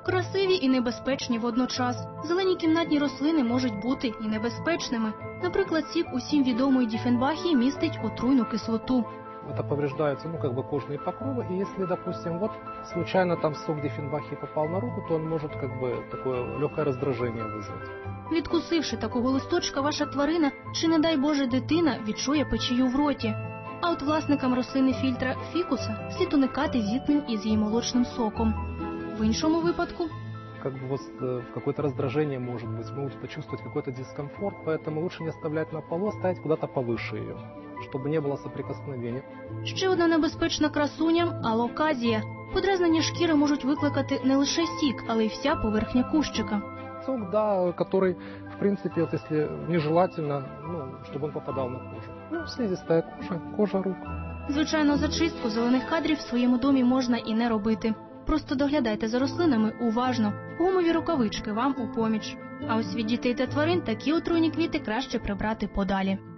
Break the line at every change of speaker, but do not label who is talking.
Красиві і небезпечні водночас. Зелені кімнатні рослини можуть бути і небезпечними. Наприклад, сік усім відомої діфенбахії містить отруйну кислоту.
Это повреждаются, кожные покровы, и если, допустим, случайно там сок дифенбахии попал на руку, то он может такое легкое раздражение вызвать.
Відкусивши такого листочка, ваша тварина, чи не дай Боже дитина, відчує печію в роті. А от власникам рослини фільтра фікуса слід уникати зіткнень із її молочним соком. В іншому випадку
Какое-то раздражение может быть, могут почувствовать какой-то дискомфорт, поэтому лучше не оставлять на полу, ставить куда-то повыше ее, чтобы не было соприкосновения.
Ще одна небезпечна красуня – алоказія. Подразнення шкіри можуть викликати не лише сік, але й вся поверхня кущика.
Сок, да, который, в принципе, если нежелательно, чтобы он попадал на кожу. Слизистая кожа рук.
Звичайно, зачистку зелених кадрів в своєму домі можна і не робити. Просто доглядайте за рослинами уважно. Гумові рукавички вам у поміч. А ось від дітей та тварин такі отруйні квіти краще прибрати подалі.